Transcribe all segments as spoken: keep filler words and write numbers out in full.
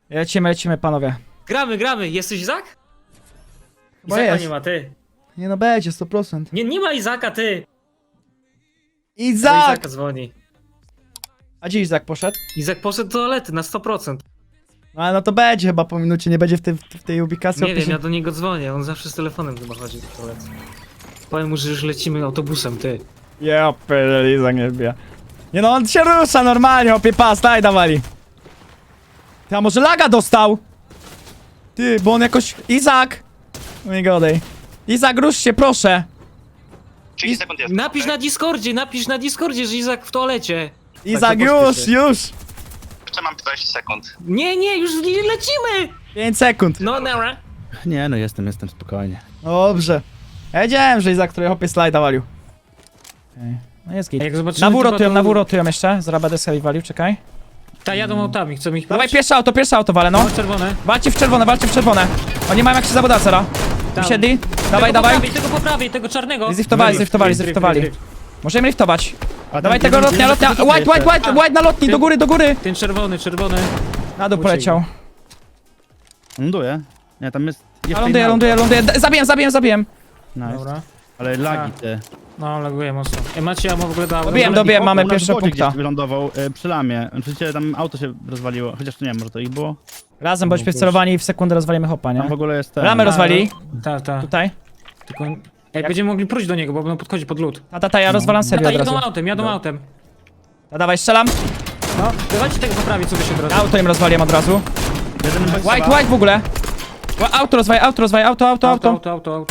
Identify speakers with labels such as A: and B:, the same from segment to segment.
A: Lecimy, lecimy, panowie.
B: Gramy, gramy. Jesteś Izak?
A: Bo
B: Izaka
A: jest.
B: nie ma, ty.
A: Nie no, będzie, sto procent.
B: Nie, nie ma Izaka, ty. Do
A: Izak!
B: Izaka dzwoni.
A: A gdzie Izak poszedł?
B: Izak poszedł do toalety na sto procent.
A: No ale no to będzie chyba po minucie, nie będzie w, tej w tej ubikacji.
B: Nie wiem, ja do niego dzwonię. On zawsze z telefonem chyba chodzi do toalety. Powiem mu, że już lecimy autobusem, ty.
A: Ja pierdolę, Izak nie wbija. Nie no, on się rusza normalnie, opie pas, daj dawali. Ty, a może laga dostał? Ty, bo on jakoś... Izak! No nie godaj. Izak, rusz się, proszę.
C: trzydzieści sekund jest.
B: Napisz
C: okej?
B: na Discordzie, napisz na Discordzie, że Izak w toalecie.
A: Izak,
B: to
A: już,
B: pośpiesz się.
A: już!
C: Jeszcze mam dwadzieścia sekund.
B: Nie, nie, już lecimy!
A: pięć sekund.
B: No, nara.
D: Nie no, jestem, jestem spokojnie.
A: Dobrze. Ja wiedziałem, że Izak, który hopie slajda walił. Okay. No jest git.
B: A jak zobaczymy
A: Na wór
B: typa,
A: rotują,
B: to-
A: na wór rotują jeszcze. Zaraz będę sobie walił, czekaj.
B: Ta, jadą autami, chcą ich
A: Dawaj
B: próć?
A: pierwsze auto, pierwsze auto walę, no.
B: No, czerwone.
A: Walcie w czerwone, walcie w czerwone. Oni mają jak się zabuda, zera.
B: Tam.
A: Usiedli. Dawaj,
B: tego
A: dawaj.
B: Po prawej, tego po prawej, tego czarnego.
A: Zliftowali, zliftowali,
B: Drift, drift,
A: zliftowali.
B: drift.
A: Możemy liftować.
D: A
A: Dawaj
D: ten
A: tego
D: jeden-
A: lotnia,
D: jeden
A: lotnia.
D: tylko
A: White, white, white,
B: A.
A: white na lotni, do góry, do góry.
B: Ten czerwony, czerwony.
A: Na dół
B: Uciekł.
A: poleciał.
D: Ląduje. Nie, tam jest...
A: A
D: jeszcze
A: ląduje,
D: inne
A: ląduje,
D: auto.
A: ląduje. D- Zabiłem, zabiłem, zabiłem.
D: Nice.
B: Dobra.
D: Ale lagi
B: A.
D: ty.
B: No, laguje mocno. E, macie ammo w ogóle do auta?
A: Dobiłem,
D: Ale
A: dobiłem,
D: ich
A: mamy
D: u nas
A: pierwszego
D: w wodzie
A: punkta.
D: gdzieś wylądował y, przy lamie. Oczywiście tam auto się rozwaliło. Chociaż nie wiem, może to ich było.
A: Razem bądźmy celowani i w sekundę rozwalimy hopa,
D: Tam w
A: nie?
D: ogóle jest ten...
A: Ramę rozwali.
B: Tak, tak.
A: Tutaj.
B: Tylko... Ej, będziemy mogli próć do niego, bo on podchodzi pod lód.
A: Ta, ta, ta, ja rozwalam serio
B: Tata,
A: od razu.
B: jadą autem, jadą autem.
A: Ta, dawaj, strzelam.
B: No, dawajcie tego poprawić, co by się od razu.
A: Auto im rozwaliłem od razu.
D: Jeden bez
A: White,
D: chyba.
A: white w ogóle. Ła- Auto rozwaj, auto rozwaj, auto, auto,
B: auto,
A: auto.
B: auto, auto. auto.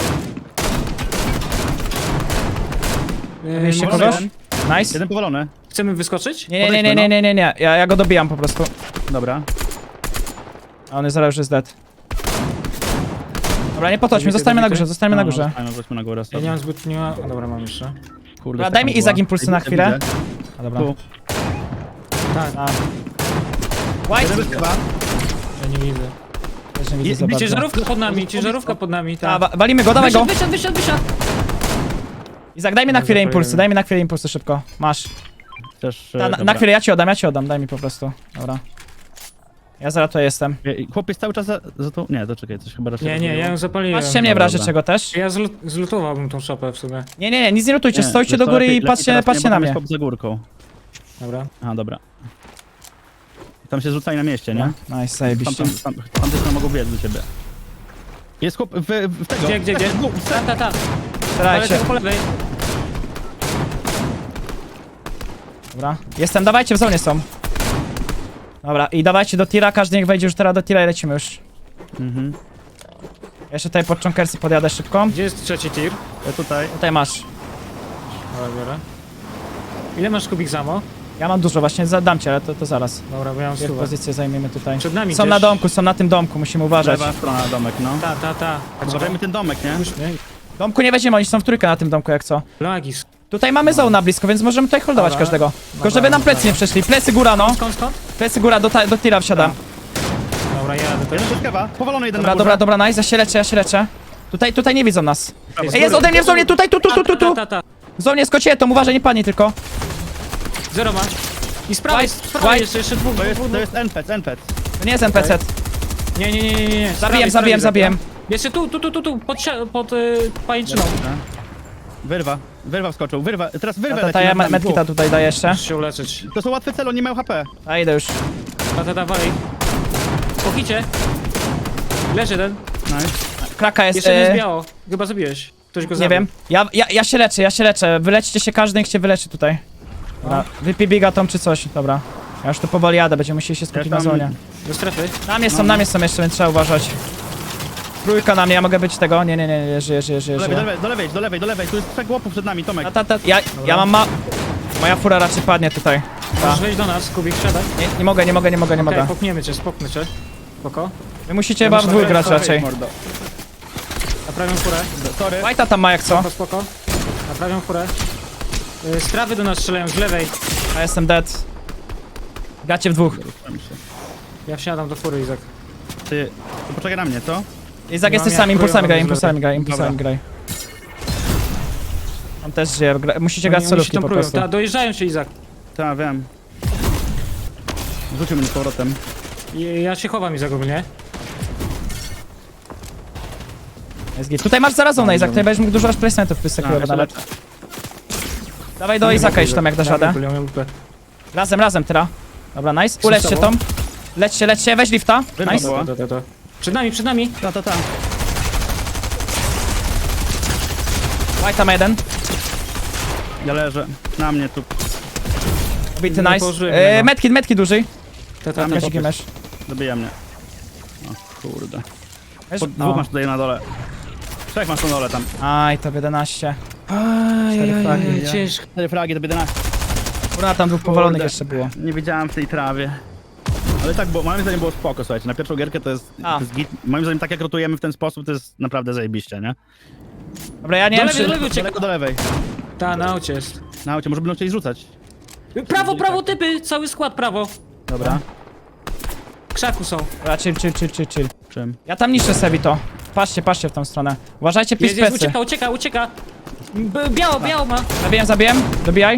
B: Yy,
A: Wieście
B: może-
A: kogoś? Nice.
D: Jeden powalony.
B: Chcemy wyskoczyć?
A: Nie, nie, nie, nie, nie, nie, nie. Ja, ja go dobijam po prostu.
D: Dobra.
A: A on jest zaraz już jest dead. Dobra, nie podchodźmy,
B: Zabity,
A: zostańmy na
B: zabity.
A: górze, zostańmy na
D: No,
A: górze.
D: zostańmy, wróćmy na górę.
B: Ja
D: sobie.
B: nie mam zbyt... nie ma... O, dobra, mam jeszcze.
D: Kurde,
A: Dobra, daj mi
D: taka
A: Izak
D: była.
A: impulsy na
D: Widzę,
A: chwilę.
D: widzę.
A: A dobra.
D: Tu.
B: Tak,
A: A. White!
D: Jeden bez chyba.
B: ja nie widzę.
A: Też nie widzę
D: I-
A: za
B: I
A: bardzo.
B: ciężarówka pod nami, ciężarówka pod nami,
A: A,
B: tak.
A: wa walimy go, dawaj go!
B: Wysiadł, wysiadł, wysiadł, wysiadł.
A: Izak, daj mi na
B: Dobrze,
A: chwilę
B: pojedziemy.
A: impulsy, daj mi na chwilę impulsy szybko. Masz.
D: Też,
A: Ta, na,
D: dobra.
A: na chwilę, ja ci oddam, ja ci oddam, daj mi po prostu. Dobra. Ja zaraz tu jestem.
D: Ej, Chłopiec cały czas za, za to... Nie, to czekaj, coś chyba raczej
B: Nie, nie, ja ją zapaliłem.
A: Patrzcie mnie w razie
D: dobra.
A: czego też.
B: Ja zlu zlutowałbym tą szopę w sumie.
A: Nie, nie, nie, nic nie lutujcie,
D: Nie,
A: stójcie
D: wiesz
A: do
D: co,
A: góry
D: lepiej-
A: i
D: lepiej
A: patrzcie,
D: teraz nie,
A: patrzcie
D: bo
A: na
D: tam
A: mnie.
D: jest chłop za górką.
B: Dobra.
D: Aha, dobra. Tam się rzucali na mieście, nie?
A: No, nice,
D: Tam,
A: zajebiście.
D: tam, tam, tam też mogą biec do ciebie. Jest chłop w, w tego.
B: Gdzie, gdzie, gdzie? Ta, ta, ta. Ale
A: Starajcie.
B: tego po lewej.
A: Dobra. Jestem, dawajcie, w zonie są. Dobra, i dawajcie do tira, każdy niech wejdzie już teraz do tira i lecimy już.
D: Mhm.
A: Jeszcze tutaj pod czonkersy podjadę szybko.
B: Gdzie jest trzeci tir?
D: Ja tutaj.
A: Tutaj masz.
B: Dobra, biorę. Ile masz kubik zamo?
A: Ja mam dużo, właśnie zadam cię, ale to, to zaraz.
B: Dobra, bo ja mam
A: Dwie
B: stówę.
A: pozycje zajmiemy tutaj.
B: Przed nami
A: Są
B: gdzieś.
A: na domku, są na tym domku, musimy uważać.
D: Lewa strona domek, no.
B: Ta, ta, ta.
D: Zobaczymy ten domek, nie?
B: Nie?
A: Domku nie weźmiemy, oni są w trójkę na tym domku jak co.
B: Lagis.
A: Tutaj mamy zone na blisko, więc możemy tutaj holdować
B: Dobra.
A: każdego. Tylko
B: Dobra,
A: żeby nam plecy
B: dobra.
A: nie przeszli. Plecy góra, no.
B: Skąd, skąd?
A: Plecy góra, do, ta- do tira wsiadam.
B: Dobra, jadę też.
D: Jeden szybkawa, powalony jeden
A: Dobra,
D: na górze.
A: dobra, dobra, nice, ja się leczę, ja się leczę. Tutaj, tutaj nie widzą nas.
D: Prawo.
A: Ej, jest ode mnie w zonie, tutaj, tu, tu, tu, tu, tu.
B: Ta, ta, ta.
A: W zonie z kocietom, uważaj, nie padnie tylko.
B: Zero ma. I z prawej, z
A: White,
B: prawej
A: white.
B: jeszcze, jeszcze dwóch,
D: To jest,
B: dwóch,
D: to
B: dwóch.
D: jest N P C, N P C.
A: To nie jest N P C.
B: Nie, nie, nie, nie, nie, nie. Z prawej,
A: Zabijem,
B: z prawej
A: zabijem, zabijem.
B: Jeszcze tu, tu, tu, tu, tu, pod, sia- pod y, pajęczyną.
D: Wyrwa, wyrwa wskoczył, wyrwa, teraz wyrwa
A: Ta, ta,
D: leci
A: ja
D: nad nami,
A: medkita
D: dwóch.
A: tutaj daję jeszcze.
B: Muszę się uleczyć.
D: To są łatwe cele, oni nie mają H P.
A: A idę już.
B: Ta, ta, ta, walej. Po hicie. Leży jeden.
D: Nice.
A: Kraka jest,
B: Jeszcze nie
A: e,
B: jest biało. Chyba zabiłeś. Ktoś go
A: nie
B: zabił.
A: wiem. Ja, ja, ja się leczę, ja się leczę. Wylećcie się, każdy niech się wyleczy tutaj. Dobra, wypij bigatą czy coś, dobra. Ja już tu powoli jadę, będziemy musieli się skupić
D: Ja
A: na
D: tam-
A: zonie.
B: Do strefy.
A: Na mnie są, na mnie są jeszcze, więc trzeba uważać. Trójka na mnie, ja mogę być tego? Nie, nie, nie, nie, żyję, żyję, żyję,
D: Do lewej, do
A: żyję.
D: lewej, do lewej, do lewej, do lewej, tu jest trzech łopów przed nami, Tomek.
A: Ta, ta, ta, ja, ja mam ma... Moja fura raczej padnie tutaj.
B: Możesz wejść do nas, Kubik, siadaj.
A: Nie, nie mogę, nie mogę, nie mogę, nie
B: Okej,
A: mogę.
B: popniemy cię, spoknę cię. Spoko.
A: Wy musicie
B: Ja
A: chyba w
B: muszę
A: dwóch
B: wejść,
A: grać
B: sorry,
A: raczej.
D: Mordo.
B: Naprawiam furę.
D: Sorry.
A: White'a tam ma jak co?
B: Spoko, spoko. Naprawiam furę. Y, Z trawy do nas strzelają, z lewej.
A: Ja jestem dead. Gacie w dwóch.
B: Ja wsiadam do fury, Izak.
D: Ty, to poczekaj na mnie, co?
A: Izak,
B: No,
A: jesteś
B: ja
A: sam, impulsami
B: próbuję
A: graj,
B: bardzo
A: impulsami
B: źle.
A: graj, impulsami
D: Dobra.
A: graj. On też żyje, gra... musicie
B: Oni-
A: grać
B: oni się
A: celówki
B: tam
A: po
B: próbują.
A: prostu.
B: Ta, dojeżdżają się, Izak.
D: Tak, wiem. Rzucił mnie z powrotem.
B: I- Ja się chowam i ogólnie.
A: Jest git. Tutaj masz zarazone, Izak, tutaj będziesz mógł dużo aż placementów
D: A,
A: wyskakiwać
D: jeszcze
A: nawet.
D: lecę.
A: Dawaj do Izaka jeszcze tam jak dasz radę.
B: Ja mam lupę.
A: Razem, razem, tyra. Dobra, nice. Ulećcie tą. Lećcie, lećcie, weź lifta.
D: Wyrwa
A: Nice.
D: była.
B: To, to, to. Przed nami, przed nami.
D: Ta, ta, ta.
A: White tam jeden.
D: Ja leżę. Na mnie tu.
A: Bity,
B: Nie
A: nice.
B: położyłem
A: E,
B: go.
A: medkit, medkit duży.
B: To, to,
D: Tam
B: to,
D: jest
A: Kasik mesz.
D: Dobija mnie. O kurde.
A: Weź-
D: Po, dwóch
A: o.
D: masz tutaj na dole. Trzech masz na dole tam.
A: Aj, to jedenaście.
B: Ajajaj, ciężko.
D: Cztery fragi to jedenaście.
A: Kurwa, tam dwóch powalonych
D: Kurde.
A: jeszcze było.
D: Nie widziałem w tej trawie. Ale tak, bo moim zdaniem było spoko, słuchajcie. Na pierwszą gierkę to jest,
A: A.
D: to jest git. Moim zdaniem tak jak rotujemy w ten sposób, to jest naprawdę zajebiście, nie?
A: Dobra, ja nie
B: Do
A: wiem,
B: lewej,
A: czy...
B: do lewej uciekł.
D: Daleko do lewej.
B: Ta, na aucie jest.
D: Na aucie, może będą chcieli rzucać.
B: Prawo, prawo, typy! Cały skład prawo.
D: Dobra.
B: W krzaku są.
A: Dobra, chill, chill, chill, chill, chill.
D: Czym?
A: Ja tam niszczę Sebi to. Patrzcie, patrzcie w tą stronę. Uważajcie,
B: Jest, jest,
A: pispecy.
B: ucieka, ucieka, ucieka. B biało, biało ma.
A: Zabijem, zabijem. Dobijaj.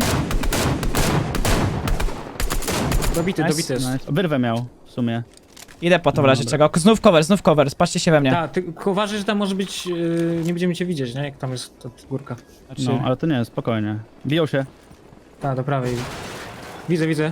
B: Dobity,
A: Nice,
B: dobity jest.
D: Nice. Wyrwę miał w sumie.
A: Idę po to w razie
D: Dobra.
A: czego. Znów cover, znów cover. Spatrzcie się we mnie.
B: Tak, tylko uważaj, że tam może być... Yy, nie będziemy cię widzieć, nie? Jak tam jest ta górka.
A: Znaczy,
D: No, ale to nie, spokojnie. Biją się.
B: Tak, do prawej. Widzę, widzę.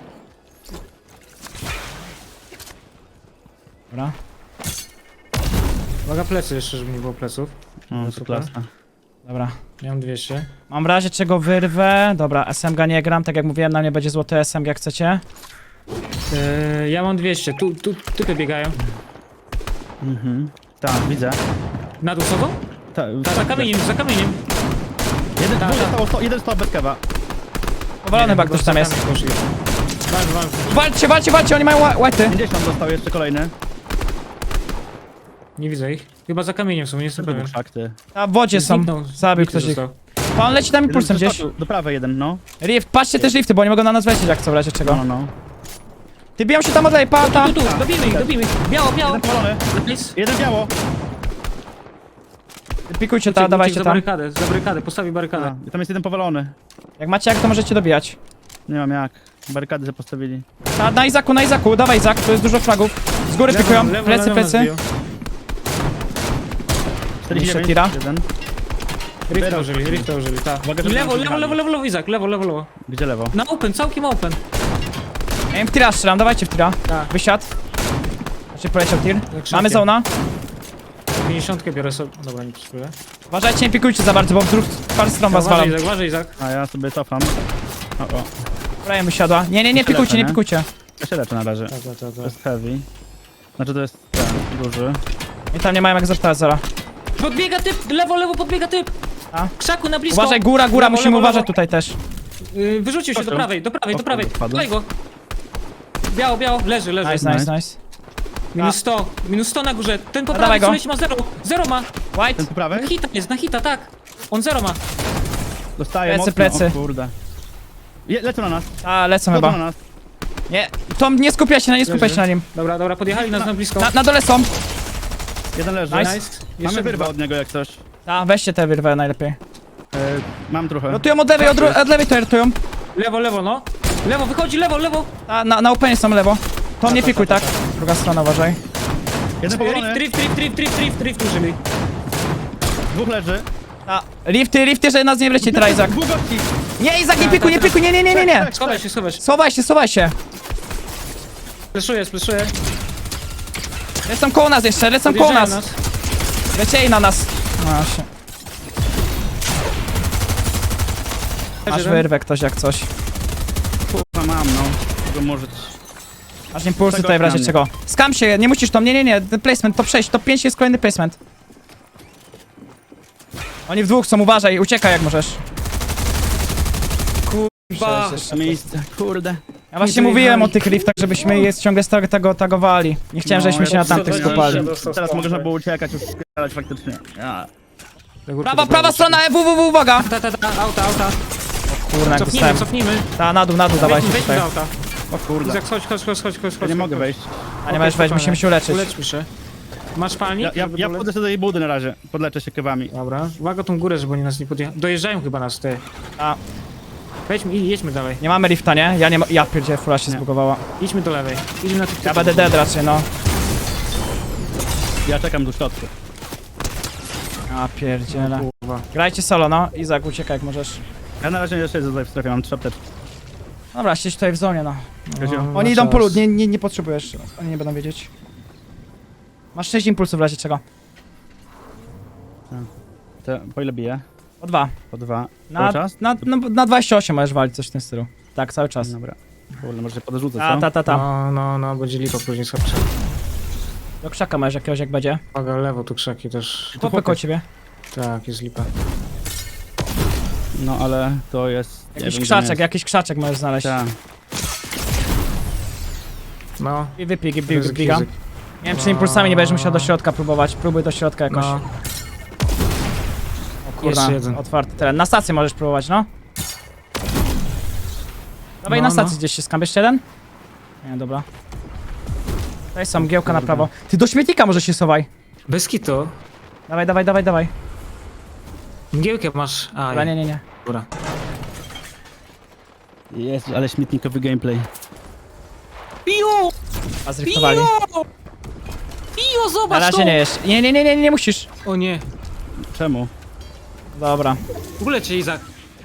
A: Dobra.
B: Uwaga, plecy jeszcze, żeby nie było pleców.
D: O, to
B: Super.
D: klasa.
A: Dobra.
B: Ja mam dwieście.
A: Mam w razie czego wyrwę. Dobra, S M G nie gram, tak jak mówiłem, na mnie będzie złoty S M G jak chcecie.
B: Yy, ja mam dwieście. Tu, tu typy biegają.
D: Mhm. Tak, widzę.
B: Na dół sobą?
D: Ta,
B: Ta, za kamieniem, za kamieniem.
D: Jeden,
B: Ta,
D: dwóch
B: ta.
D: zostało, sto, jeden stał bez kewa.
A: Powalony chyba ktoś tam jest.
B: Poszli. Walcz, walcz.
A: Walczcie, walczcie, walczcie, oni mają ła- white'y.
D: pięćdziesiąt dostał jeszcze kolejny.
B: Nie widzę ich. Chyba za kamieniem są, nie jestem pewien.
D: Fakty.
A: A w wodzie są.
B: Zniknął.
A: Zabił
B: Bity
A: ktoś ich.
B: został.
A: Pa, on leci tam impulsem
D: Jeden
A: gdzieś.
D: przeskoczył. Do prawej jeden, no.
A: Rift, patrzcie też lifty, bo oni mogą na nas wlecieć jak co w razie
D: No,
A: czego.
D: no, no.
A: Ty biją się tam od lewej, pa, tam.
B: Tu, tu, dobijmy ich, dobijmy ich. Biało, biało.
D: Jeden powalony.
B: Nice.
D: Jeden biało.
A: Pikujcie
B: Uciekł,
A: ta, dawajcie
B: uciekł za
A: tam.
B: barykadę, za barykadę, postawi barykadę.
D: A, i tam jest jeden powalony.
A: Jak macie jak, to możecie dobijać.
D: Nie mam jak. Barykady sobie postawili.
A: Ta, na Izaku, na Izaku, dawaj Izak, tu jest dużo fragów. Z góry
B: Lewo,
A: pikują,
B: lewo,
A: plecy,
B: lewo nas
A: plecy.
B: biją.
D: czterdzieści dziewięć.
A: tira.
D: Jeden.
B: Rifta użyli, rifta użyli, tak.
D: Uwaga, że
B: Lewo,
D: tam
B: lewo, lewo, lewo, lewo, Izak, lewo, lewo, lewo.
D: Gdzie lewo?
B: Na open, całkiem open.
A: Ja im w tira strzelam, dawajcie w tira.
B: Tak.
A: Wysiadł. Znaczy poleciał tir.
B: krzakiem.
A: Mamy zona.
B: pięćdziesiątkę biorę sobie. Dobra, nie przyszły.
A: Uważajcie, nie pikujcie za bardzo, bo w drugą par stron was
B: Uważaj,
A: walam.
B: Izak, uważaj, Izak.
D: A ja sobie cofam. O, o.
A: Prawie wysiadła. Nie, nie, nie
D: Tyle,
A: pikujcie, nie
D: nie?
A: pikujcie.
D: Ja się leczę na razie.
B: Tak, tak, tak,
D: To
B: tak.
D: jest heavy. Znaczy to jest ten, duży.
A: I tam nie mają jak zacztać zara.
B: Podbiega typ, lewo, lewo, podbiega typ.
A: A?
B: Krzaku na blisko.
A: Uważaj, góra, góra,
B: Lewo,
A: musimy
B: lewo,
A: uważać
B: lewo.
A: tutaj też.
B: Yy, Wyrzucił się do
D: Proszę.
B: prawej, do prawej, do
D: O,
B: prawej.
D: wpadł.
B: Daj go. Biało, biało, leży, leży.
A: Nice, nice, nice.
B: Minus sto, minus sto na górze. Ten po
A: A,
B: prawej
A: dawaj go.
B: co leci ma zero. Zero ma.
A: White.
D: Ten po prawej?
B: Na hita jest, na hita, tak. On zero ma.
D: Dostaje
A: Plecy,
D: mocno.
A: plecy.
D: O kurde. Je, lecą na nas.
A: A, lecą
D: Chodzą na
A: chyba.
D: nas.
A: Nie, Tom, nie skupia się na, nie skupia
B: Leży.
A: się na nim.
B: Dobra, dobra, podjechali nas na blisko.
A: Na, na dole są.
D: Jeden leży.
A: Nice.
B: Nice.
D: Mamy
B: Jeszcze
D: wyrwę
B: dwa.
D: od niego jak coś.
A: A, weźcie te wyrwę najlepiej.
D: E, mam trochę.
A: Rotują od lewej, od, ru- od lewej to rotują.
B: Lewo, lewo, no. Lewo, wychodzi, lewo, lewo.
A: A, na, na openie są lewo. Tom, nie pikuj, tak? Druga strona, uważaj.
D: Jeden powalony.
B: Drift, drift, drift, drift, drift, drift użyli.
D: Dwóch leży.
A: A, lifty, lifty, że nas nie wleci teraz, Izak.
D: Dwóch gości.
A: Nie, Izak, nie pikuj, nie pikuj, nie, nie, nie, nie, nie.
B: Schowaj się, schowaj się.
A: Schowaj się, schowaj się.
B: Splaszuję, splaszuję.
A: Lecą koło nas jeszcze, lecą koło
B: Podjeżdżają
A: nas. Lecieli na nas. No, się. Masz
B: Jeden.
A: wyrwę ktoś jak coś.
D: Kurwa mam, no. Tego może...
A: Masz impulsy
D: Czego
A: tutaj w razie
D: na mnie?
A: czego. Skam się, nie musisz tam, nie, nie, nie. Ten placement, top sześć, top pięć jest kolejny placement. Oni w dwóch są, uważaj, uciekaj jak możesz. Kurwa.
D: Miejsce, kurde.
A: Ja właśnie mówiłem o tych liftach, żebyśmy je ciągle z tego, tego tagowali. Nie chciałem,
D: No,
A: żebyśmy
D: ja
A: się na
D: to
A: tamtych
B: dostałem,
A: skopali.
B: że dostał
D: Teraz
B: stąd.
D: można było uciekać, już spierać faktycznie. Ja.
A: Prawa, prawa strona, E, w, w, w, uwaga!
B: Ta, ta, ta, auta, auta.
A: Kurna, jak
B: Cofnijmy,
A: dostałem.
B: cofnijmy.
A: Ta, na dół, na dół, dawajcie
B: Wejdźmy
A: tutaj.
B: do auta.
D: O kurde.
B: Izak, chodź, chodź, chodź, chodź, chodź.
D: Ja
B: chodź,
D: nie
B: chodź.
D: mogę wejść.
A: A nie możesz wejść, musimy się uleczyć.
B: Uleczmy się. Masz palnik?
D: Ja, ja,
B: żeby
D: ja
B: dolec?
D: wchodzę sobie do jej budy na razie. Podleczę się kewami.
B: Dobra, uwaga tą górę, żeby oni nas nie podjechali. Dojeżdżają chyba nas, ty.
A: A,
B: Wejdźmy i jedźmy dalej.
A: Nie mamy lifta, nie? Ja nie ma... Ja pierdzielę, fura się
D: Nie.
A: zbugowała.
B: Idźmy do lewej. Idźmy na tych
A: Ja będę dead raczej, no.
D: Ja czekam do środku.
A: A pierdziele.
B: Kurwa.
A: Grajcie solo, no. Izak, uciekaj jak możesz.
D: Ja na razie jeszcze tutaj w strefie, mam trzy apteczki.
A: Dobra, siedź tutaj w zonie, no.
D: Kozio.
B: No,
A: Oni
B: na
A: idą
B: czas.
A: po lód, nie, nie, nie potrzebujesz. Oni nie będą wiedzieć. Masz sześć impulsów w razie czego.
D: To po ile bije?
A: Po dwa.
D: Po dwa.
A: Na,
D: Cały czas?
A: na, na, na dwadzieścia osiem możesz walić, coś w tym stylu. Tak, cały czas.
D: Dobra. Kurde, może się podrzucę,
A: Ta,
D: co?
A: ta, ta, ta.
B: No, no, no, będzie lipa później słabsza.
A: Do krzaka masz jakiegoś jak będzie.
B: Uwaga, lewo tu krzaki też.
A: Chłopy koło ciebie.
B: Tak, jest lipa.
D: No ale to jest... nie
A: Jakiś
D: wiem,
A: krzaczek,
D: gdzie jest.
A: jakiś krzaczek możesz znaleźć.
D: Tak.
B: No.
A: I wypij, wypij,
B: Ryzyk,
A: wypij. Nie
B: ryzyk.
A: wiem, czy impulsami nie będziesz musiał do środka próbować. Próbuj do środka jakoś.
B: No.
A: O kurna,
B: Jeszcze jeden.
A: otwarty teren. Na stację możesz próbować, no. Dawaj
B: No,
A: na stacji
B: no.
A: gdzieś się skam. Jeszcze jeden? Nie, dobra. Tutaj są, mgiełka na prawo. Ty do śmietnika może się sowaj.
B: Bez kitu.
A: Dawaj, dawaj, dawaj, dawaj.
B: Mgiełkę masz. A,
A: Dobra, nie, nie, nie.
B: Dobra.
D: Jest, ale śmietnikowy gameplay.
B: Piu!
A: A zriftowali.
B: Piu,
A: Na
B: zobacz
A: razie
B: to!
A: nie jest. Nie, nie, nie, nie, nie musisz.
B: O nie.
D: Czemu?
A: Dobra.
B: W ogóle cię, Izak.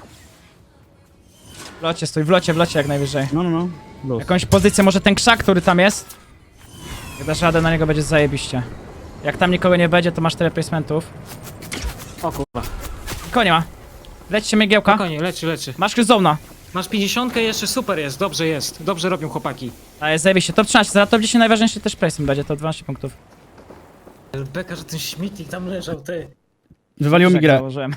A: W locie stój, w locie, w locie jak najwyżej.
D: No, no, no. Luz.
A: Jakąś pozycję, może ten krzak, który tam jest. Jak dasz radę, na niego będzie zajebiście. Jak tam nikogo nie będzie, to masz tyle placementów.
B: O kurwa.
A: Nikogo nie ma. Lećcie mgiełka.
B: Spokojnie, leczy, leczy.
A: Masz kryzona.
B: Masz pięćdziesiątkę jeszcze, super jest, dobrze jest. Dobrze robią chłopaki.
A: A jest zajebiście. Top trzynaście, za top dziesięć najważniejszy też placement będzie, to dwanaście punktów.
B: Beka, że ten śmietnik tam leżał, ty.
D: Wywaliło mi
A: Czekaj,
D: grę.
A: założyłem.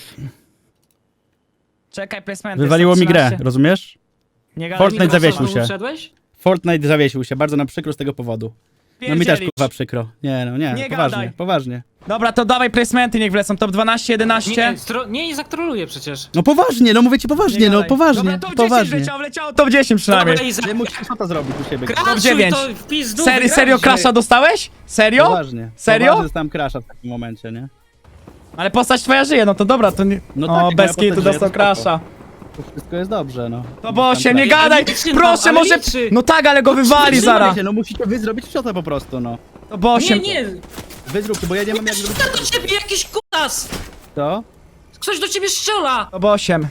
A: Czekaj, placement.
D: Wywaliło
A: jest
D: mi
A: top
D: grę,
A: trzynaście.
D: rozumiesz?
A: Nie gadaj,
D: Fortnite
A: mikrofon.
D: zawiesił się.
B: Wszedłeś?
D: Fortnite zawiesił się, bardzo nam przykro z tego powodu. No mi też
A: Pierdzielić.
D: kurwa przykro. Nie no, nie,
A: Nie
D: poważnie,
A: gadaj.
D: poważnie.
A: Dobra, to dawaj placementy, niech wlecą. Top dwanaście, jedenaście.
B: Nie, stro... nie, Izak troluje przecież.
D: No poważnie, no mówię ci poważnie, no
A: gadaj.
D: poważnie,
A: Dobra, top dziesięć
D: poważnie.
A: wleciało, wleciało top dziesięć przynajmniej.
B: Dobra, Izak,
D: Nie musisz co to zrobić u siebie.
B: kraszuj
A: dziewięć.
B: to w pizdu,
A: Serio, serio
B: wygraliśmy.
A: crasha dostałeś? Serio?
D: Poważnie.
A: Serio?
D: Poważnie dostałem crasha w takim momencie, nie?
A: Ale postać twoja żyje, no to dobra, to nie...
D: No
A: No
D: tak,
A: o,
D: jak
A: bez
D: moja postać
A: kitu
D: żyje,
A: dostał
D: to spoko.
A: crasha.
D: To wszystko jest dobrze, no.
A: To bo osiem, nie
D: Tam
A: gadaj!
B: liczy,
A: Proszę,
B: no, ale
A: może...
B: liczy.
A: No tak, ale go wywali
D: tak.
A: zaraz.
D: Się, no musicie wy zrobić wciotę po prostu, no.
A: To bo osiem...
B: Nie, nie,
D: Wy zróbcie, bo ja nie mam jak zrobić
B: to do ciebie jakiś kutas!
D: to.
B: Ktoś do ciebie strzela!
A: To bo osiem.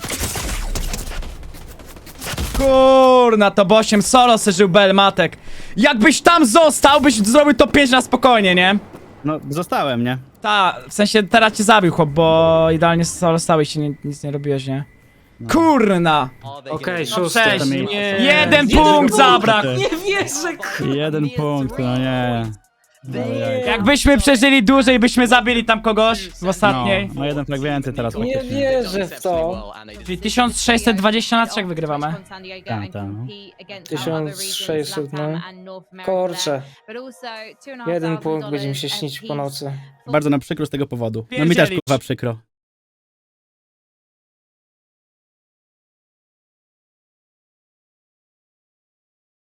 A: Kurna, to bo osiem solo se żył Belmatek. Jakbyś tam został, byś zrobił to pięć na spokojnie, nie?
D: No, zostałem, nie?
A: Ta, w sensie teraz cię zabił chłop, bo idealnie solo stałeś i nie, nic nie robiłeś, nie? Kurna!
B: Okej,
A: No
B: szósty.
A: cześć,
B: Nie.
A: jeden punkt zabrakł!
B: Nie wierzę, k-
D: Jeden punkt, no nie. No, jak-
A: Jakbyśmy przeżyli dłużej, byśmy zabili tam kogoś w ostatniej.
D: No, no jeden frag więcej teraz
B: Nie
D: faktycznie.
B: wierzę w to.
A: Czyli tysiąc sześćset dwadzieścia na trzech wygrywamy.
D: Tak, tak, no.
B: tysiąc sześćset, no. Kurczę. Jeden punkt będzie mi się śnić po nocy.
D: Bardzo nam przykro z tego powodu. No mi też
A: Pierdzielić.
D: kurwa przykro.